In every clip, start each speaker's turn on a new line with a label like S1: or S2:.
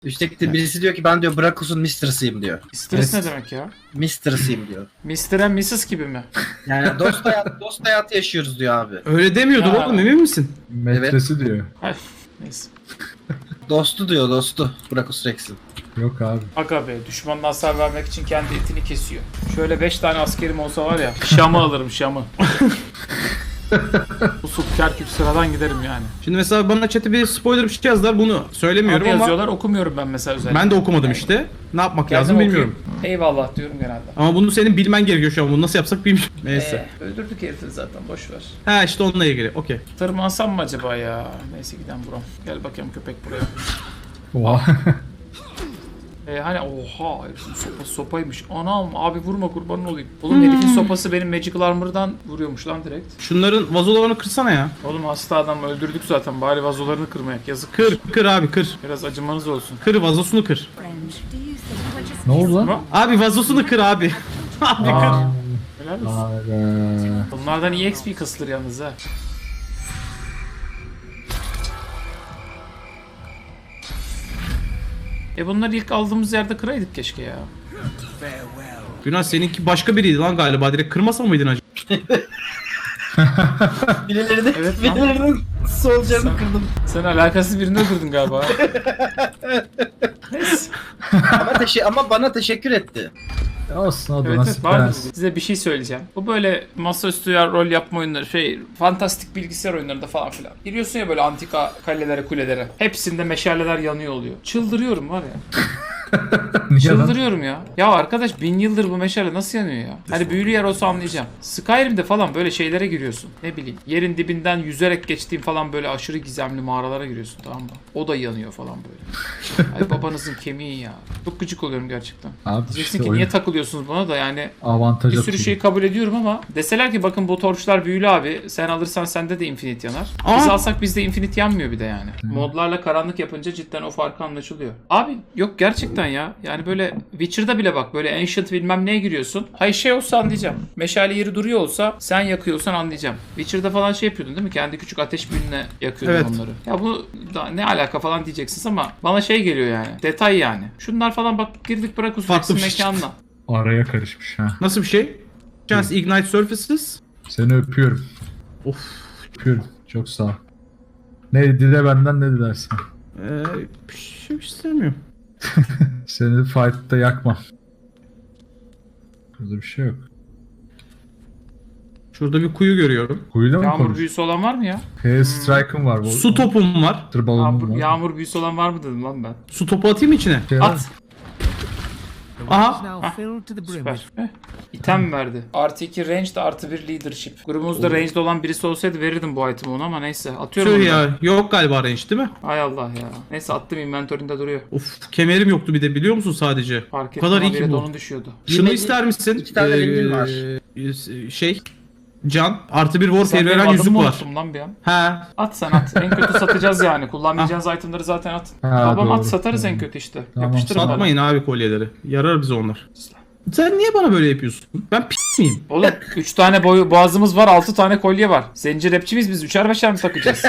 S1: Üstelik birisi diyor ki ben diyor Brakus'un Mistress'ıyım diyor.
S2: Mistress ne demek ya?
S1: Mistress'ıyım diyor.
S2: Mr. and Mrs. gibi mi?
S1: Yani dost hayatı yaşıyoruz diyor abi.
S3: Öyle demiyordur
S2: Ha.
S3: oğlum, emin misin?
S4: Metresi diyor.
S2: Ay, neyse.
S1: Dostu diyor dostu. Brakus Rex'in.
S4: Yok abi.
S2: Aga be, düşmanına hasar vermek için kendi etini kesiyor. Şöyle 5 tane askerim olsa var ya, Şam'ı alırım Şam'ı. Usup Kerkük sıradan giderim yani.
S3: Şimdi mesela bana chat'e bir spoiler bir şey yazdılar, bunu söylemiyorum
S2: Abi
S3: ama
S2: yazıyorlar, okumuyorum ben mesela özellikle.
S3: ben de okumadım işte. Ne yapmak
S2: Kendim
S3: lazım bilmiyorum.
S2: okuyayım. Eyvallah diyorum genelde.
S3: Ama bunu senin bilmen gerekiyor şu an. Bunu nasıl yapsak bilmiyorum. Neyse.
S2: Öldürdük herifi zaten, boşver.
S3: Ha işte onunla ilgili. Okey.
S2: Tırmansam mı acaba ya? Neyse giden buram. Gel bakayım köpek buraya.
S4: Oha.
S2: Hani oha herifin sopası sopaymış. Anam abi vurma kurbanın olayım. Oğlum herifin sopası benim Magical Armor'dan vuruyormuş lan direkt.
S3: Şunların vazolarını kırsana ya.
S2: Oğlum hasta adamı öldürdük zaten, bari vazolarını kırmayak, yazık.
S3: Kır abi kır.
S2: Biraz acımanız olsun.
S3: Kır vazosunu kır.
S4: Ne oldu lan?
S2: Ama
S3: Abi vazosunu kır abi. Abi kır.
S4: Aa,
S2: helal olsun.
S4: Hayda.
S2: Bunlardan iyi XP kasılır yalnız ha. Bunları ilk aldığımız yerde kıraydık keşke ya.
S3: Günah seninki başka biriydi lan galiba. Direkt kırmasa mıydın acaba?
S1: Birilerinin,
S2: Evet lan.
S1: birilerinin solcarını kırdım.
S2: Sen alakasız birini öldürdün galiba. Neyse.
S1: Ama bana teşekkür etti.
S4: Olsun o da
S2: Evet,
S4: nasip
S2: vardır.
S4: prens.
S2: Size bir şey söyleyeceğim. Bu böyle masaüstü rol yapma oyunları, fantastik bilgisayar oyunlarında falan filan. Giriyorsun ya böyle antika kalelere, kulelere. Hepsinde meşaleler yanıyor oluyor. Çıldırıyorum var ya.
S4: Niye lan?
S2: Çıldırıyorum ya. Ya arkadaş 1000 yıldır bu meşale nasıl yanıyor ya? Hani büyülü yer olsa anlayacağım. Skyrim'de falan böyle şeylere giriyorsun. Ne bileyim. Yerin dibinden yüzerek geçtiğin falan böyle aşırı gizemli mağaralara giriyorsun, tamam mı? O da yanıyor falan böyle. Ay babanızın kemiği ya. Çok gıcık oluyorum gerçekten.
S4: Abi
S2: Diyeceksin
S4: işte
S2: ki
S4: oyun
S2: niye takılıyorsunuz buna da, yani
S4: avantaj
S2: bir sürü
S4: atıyor.
S2: şeyi kabul ediyorum ama deseler ki bakın bu torçlar büyülü abi, sen alırsan sende de infinite yanar. Biz
S3: Aa!
S2: alsak bizde infinite yanmıyor bir de yani. Modlarla karanlık yapınca cidden o farkı anlaşılıyor. Abi yok gerçekten ya. Yani böyle Witcher'da bile bak, böyle ancient bilmem neye giriyorsun. Hay şey olsa anlayacağım. Meşale yeri duruyor olsa sen yakıyorsan anlayacağım. Witcher'da falan şey yapıyordun değil mi? Kendi küçük ateş büyünle yakıyordun
S3: Evet.
S2: onları. Ya bu da ne alaka falan diyeceksiniz ama bana şey geliyor yani. Detay yani. Şunlar falan bak, girdik Brakus
S3: Farklı
S2: Rex'in
S3: bir şey.
S2: mekanına.
S4: Araya karışmış ha.
S3: Nasıl bir şey? Chance Ignite Surfaces.
S4: Seni öpüyorum.
S3: Of.
S4: Öpüyorum. Çok sağ ol. Ne dile benden ne dilersen.
S3: Bir şey istemiyorum.
S4: Seni fight'ta yakmam. Burada bir şey yok.
S3: Şurada bir kuyu görüyorum.
S4: Kuyuyla mı
S2: Yağmur
S4: konuş?
S2: büyüsü olan var mı ya?
S4: Hail Strike'ım var.
S3: Su topum var.
S4: Water balonum var.
S2: Yağmur büyüsü olan var mı dedim lan ben.
S3: Su topu atayım mı içine?
S4: Şey var.
S2: At.
S3: Aha.
S2: Süper. İtem verdi. Artı 2 ranged, artı 1 leadership. Grubumuzda ranged olan birisi olsaydı verirdim bu itemi ona ama neyse. Atıyorum
S3: Tüh
S2: onu.
S3: ya. Yok galiba range değil mi?
S2: Hay Allah ya. Neyse attım, inventöründe duruyor.
S3: Of, kemerim yoktu bir de, biliyor musun sadece?
S2: Fark
S3: Bu
S2: ettim.
S3: kadar iyi
S2: habire
S3: ki
S2: de
S3: bu.
S2: onun düşüyordu.
S3: Şunu
S1: Yine
S3: ister misin?
S1: 2 tane rengin var.
S3: Şey. Can. Artı bir
S2: Sen
S3: warfare
S2: benim
S3: veren
S2: adımı
S3: yüzük var.
S2: unuttum lan bir an.
S3: Ha.
S2: At sen at. En kötü satacağız yani. Kullanmayacağınız itemleri zaten at.
S4: Ha,
S2: Babam
S4: doğru.
S2: at, satarız en kötü işte.
S4: Tamam,
S2: Yapıştırın bana.
S3: Satmayın abi kolyeleri. Yarar bize onlar. Sen niye bana böyle yapıyorsun? Ben pis miyim?
S2: Oğlum 3 tane boğazımız var, 6 tane kolye var. Zenci rapçi miyiz biz? 3'er 5'er mi takacağız?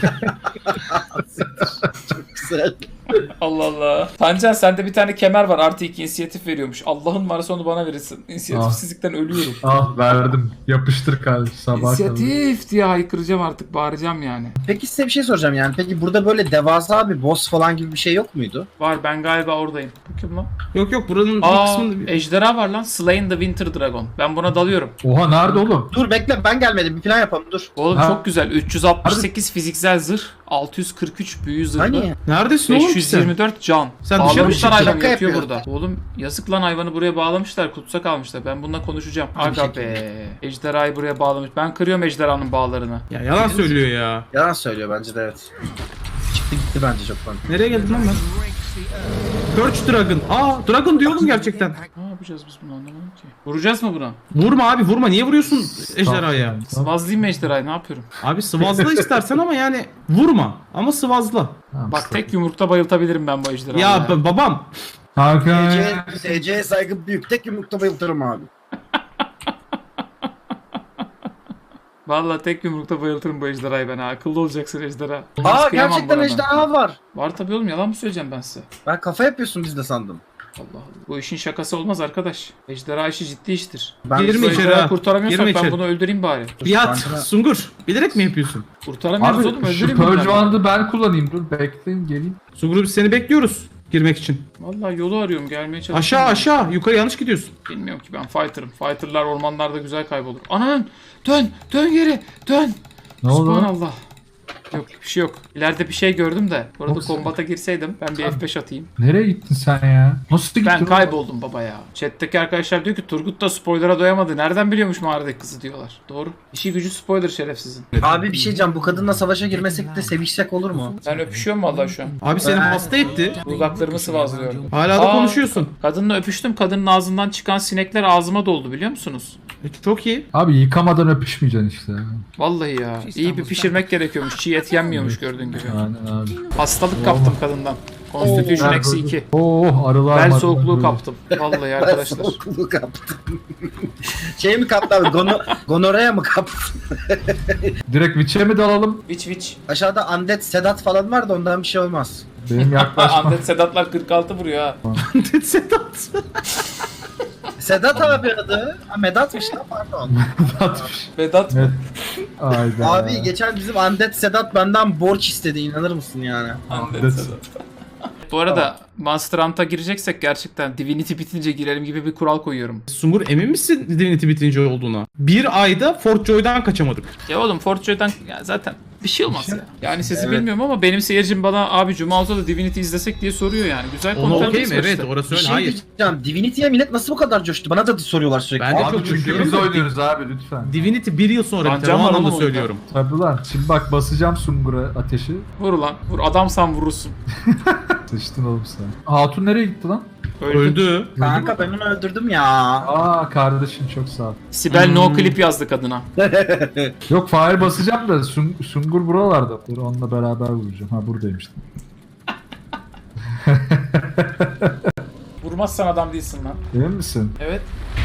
S1: Güzel.
S2: Allah Allah. Tancan sende bir tane kemer var, artı 2 inisiyatif veriyormuş. Allah'ın varsa onu bana verirsin. İnisiyatifsizlikten ölüyorum.
S4: Ah verdim. Yapıştır kardeşim sabah kadar.
S2: İnisiyatif diye haykıracağım artık, bağıracağım yani.
S1: Peki size bir şey soracağım yani. Peki burada böyle devasa bir boss falan gibi bir şey yok muydu?
S2: Var, ben galiba oradayım. Bu kim lan?
S3: Yok buranın bir
S2: Aa,
S3: kısmında...
S2: ejderha var lan. Slain the Winter Dragon. Ben buna dalıyorum.
S4: Oha nerede oğlum?
S1: Dur bekle, ben gelmedim, bir plan yapalım dur.
S2: Oğlum
S4: Ha.
S2: çok güzel. 368 fiziksel zırh, 643 büyü zırhı.
S1: Hani?
S3: Neredesin oğlum ki sen?
S2: 524 can.
S3: Sen dışarı mı
S2: Bağlamışlar
S3: çıktın?
S2: hayvanı,
S1: Şaka
S2: yatıyor
S1: yapıyor.
S2: burada. Oğlum yazık lan, hayvanı buraya bağlamışlar, kutsak almışlar. Ben bununla konuşacağım. Aga be. Ejderhayı buraya bağlamış. Ben kırıyorum ejderhanın bağlarını.
S3: Ya yalan söylüyor ya.
S1: Yalan söylüyor bence de, evet. Çıktı gitti bence çoktan.
S3: Nereye geldin lan ben? Perch Dragon. Aa, Dragon diyorum gerçekten.
S2: Ne yapacağız biz bunu, anlamadım ki. Vuracağız mı buna?
S3: Vurma abi vurma. Niye vuruyorsun ejderhaya?
S2: Sıvazlayayım mı ejderhayı, ne yapıyorum?
S3: Abi sıvazla istersen ama yani vurma. Ama sıvazla.
S4: Tamam,
S2: Bak tek yumrukta bayıltabilirim ben bu ejderhayı.
S3: Ya babam.
S4: Hakan.
S1: SC'ye saygı büyük. Tek yumrukta bayıltırım abi.
S2: Vallahi tek yumrukta bayıltırım bu ejderhayı ben ha. Akıllı olacaksın ejderha.
S1: Aa
S2: Kıyamam
S1: gerçekten
S2: buna ben.
S1: ejderha var.
S2: Var tabii oğlum, yalan mı söyleyeceğim ben size?
S1: Ben kafa yapıyorsun biz de sandım.
S2: Allah Allah. Bu işin şakası olmaz arkadaş. Ejderha işi ciddi iştir.
S1: Ben
S3: Girme
S2: Bu
S3: içeri
S2: ejderhayı
S3: ha.
S2: kurtaramıyorsak
S3: Girme
S2: ben
S3: içeri.
S2: bunu öldüreyim bari.
S3: Biat,
S1: Kankana-
S3: Sungur. Bilerek mi yapıyorsun?
S2: Kurtaramıyoruz
S4: Abi
S2: oğlum,
S4: şu
S2: öldüreyim
S4: Purge
S2: bunları.
S4: Wand'ı ben kullanayım. Dur bekleyin geleyim.
S3: Sungur biz seni bekliyoruz girmek için.
S2: Vallahi yolu arıyorum, gelmeye çalışıyorum.
S3: Aşağı aşağı yukarı yanlış gidiyorsun.
S2: Bilmiyorum ki, ben fighter'ım. Fighter'lar ormanlarda güzel kaybolur. Anam! Dön geri! Dön!
S4: Ne oldu lan?
S2: Subhanallah. Yok bir şey yok. İleride bir şey gördüm de. Bu arada
S4: Yoksa-
S2: kombata girseydim ben bir F5 atayım.
S4: Nereye gittin sen ya? Nasıl gittin?
S2: Ben kayboldum baba ya. Chat'teki arkadaşlar diyor ki Turgut da spoiler'a doyamadı. Nereden biliyormuş mağaradaki kızı diyorlar. Doğru. İşi gücü spoiler şerefsizin.
S1: Abi bir şey diyeceğim, bu kadınla savaşa girmesek de sevişsek olur mu?
S2: Ben öpüşüyorum vallahi şu an.
S3: Abi seni hasta etti.
S2: Dudaklarımı sıvazlıyorum.
S3: Hala da konuşuyorsun.
S2: Kadınla öpüştüm. Kadının ağzından çıkan sinekler ağzıma doldu biliyor musunuz?
S3: Çok iyi.
S4: Abi yıkamadan öpüşmeyeceksin işte.
S2: Vallahi ya. İyi bir pişirmek gerekiyormuş. Çiğ et yenmiyormuş gördüğün gibi.
S4: Aynen abi.
S2: Hastalık kaptım kadından. Constitution
S1: Oo.
S2: eksi 2.
S4: Arılar
S2: Bel
S4: marılar
S2: soğukluğu
S4: böyle.
S2: kaptım. Vallahi arkadaşlar.
S1: Okulu kaptım. Şey mi kaptı abi? Gonoraya mı kaptı?
S4: Direkt Witch'e mi dalalım?
S2: Viç.
S1: Aşağıda Undead Sedat falan var da ondan bir şey olmaz.
S4: Benim yaklaşmam.
S2: Undead Sedatlar 46 vuruyor ha.
S3: Sedat.
S1: Sedat abi adı. Ha, Medat'mış lan pardon.
S4: Atmış.
S2: Vedat mı?
S4: Ayda.
S1: Abi geçen bizim Undead Sedat benden borç istedi, inanır mısın yani?
S2: Undead Sedat. Bu arada Monster Hunt'a gireceksek gerçekten Divinity bitince girelim gibi bir kural koyuyorum.
S3: Sungur emin misin Divinity bitince olduğuna? Bir ayda Fort Joy'dan kaçamadık.
S2: Ya oğlum Fortnite'dan ya zaten bir şey olmaz ya. Yani sizi
S1: Evet.
S2: bilmiyorum ama benim seyircim bana abi Cuma olsa da Divinity izlesek diye soruyor yani. Güzel
S3: Ona
S2: content
S3: okey mi?
S2: var
S3: Evet
S2: işte.
S3: orası
S1: Bir
S3: öyle.
S1: şey
S3: Hayır.
S1: diyeceğim. Divinity'ye millet nasıl bu kadar coştu? Bana da soruyorlar sürekli.
S3: Ben de
S1: Abi,
S3: çok
S4: Çünkü
S3: coşuyorum
S4: biz
S3: da
S4: oynuyoruz abi lütfen.
S3: Divinity bir yıl sonra
S2: Lan
S3: biter.
S2: can
S3: O
S2: var
S3: anlamda
S2: oğlum
S3: söylüyorum.
S4: Tabii lan. Şimdi bak basacağım Sungur'a ateşi.
S2: Vur lan. Vur. Adamsan vurursun.
S4: Sıçtın oğlum sen. Hatun nereye gitti lan?
S3: Öldü.
S1: Kanka ben onu öldürdüm ya.
S4: Aa kardeşim çok sağ ol.
S2: Sibel no clip yazdı kadına.
S4: Yok fire basacağım da Sungur buralarda. Dur onunla beraber vuracağım. Ha buradaymış.
S2: Vurmazsan adam değilsin lan.
S4: Emin misin?
S2: Evet.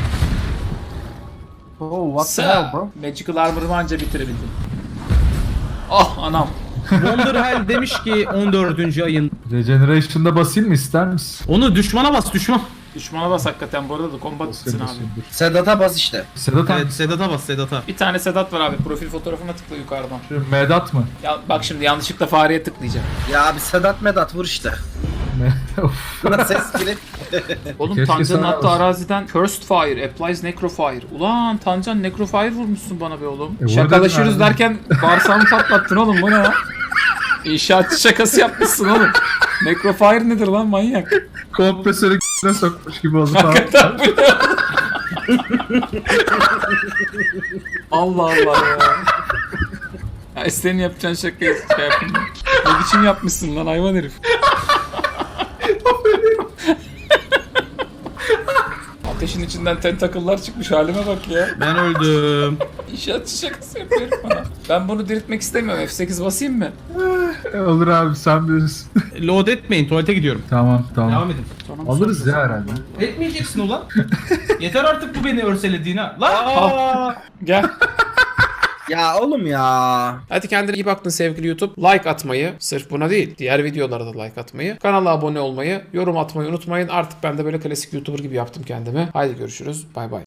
S4: Oh what
S2: Sağ. Magical Armor'ımı anca bitirebildim. Ah anam.
S3: Wonderhell demiş ki 14. ayın.
S4: Regeneration'da basayım mı ister misin?
S3: Onu düşmana bas düşman.
S2: Düşmana bas hakikaten, bu arada da combat bitsin abi.
S4: Dur.
S1: Sedat'a bas işte.
S4: Sedat
S3: Evet
S4: abi.
S3: Sedat'a bas Sedat'a.
S2: Bir tane Sedat var abi, profil fotoğrafına tıkla yukarıdan.
S4: Şu Medat mı?
S2: Ya bak şimdi yanlışlıkla fareye tıklayacağım.
S1: Ya abi Sedat Medat vur işte.
S4: Of.
S1: Buna ses gelip.
S2: Oğlum
S4: Keşke
S2: Tancan'ın
S4: sana
S2: attığı
S4: olsun.
S2: araziden Cursed Fire, applies Necrofire. Ulan Tancan Necrofire vurmuşsun bana be oğlum.
S4: vur
S2: Şakalaşıyoruz
S4: dedim abi.
S2: derken bağırsağımı patlattın oğlum, bu ne ya? İnşaatçı şakası yapmışsın oğlum. Necrofire nedir lan manyak?
S4: Kompresörü ne sokmuş gibi oldu falan.
S2: Hakikaten bu ne? Allah Allah ya. Ya senin yapacağın şakayı şey yapayım. Ne biçim yapmışsın lan hayvan herif. Ateşin içinden tentakıllar çıkmış, halime bak ya.
S3: Ben öldüm.
S2: İnşaatçı şakası yapıyorum bana. Ben bunu diriltmek istemiyorum. F8 basayım mı?
S4: Olur abi sen bilirsin.
S3: Load etmeyin tuvalete gidiyorum.
S4: Tamam tamam.
S3: Devam edin.
S4: Alırız ya herhalde.
S3: Etmeyeceksin ulan. Yeter artık bu beni örselediğin ha. Lan!
S2: Al. Gel.
S1: Ya oğlum ya.
S2: Hadi kendine iyi baktın sevgili YouTube. Like atmayı, sırf buna değil, diğer videolara da like atmayı, kanala abone olmayı, yorum atmayı unutmayın. Artık ben de böyle klasik YouTuber gibi yaptım kendimi. Haydi görüşürüz. Bay bay.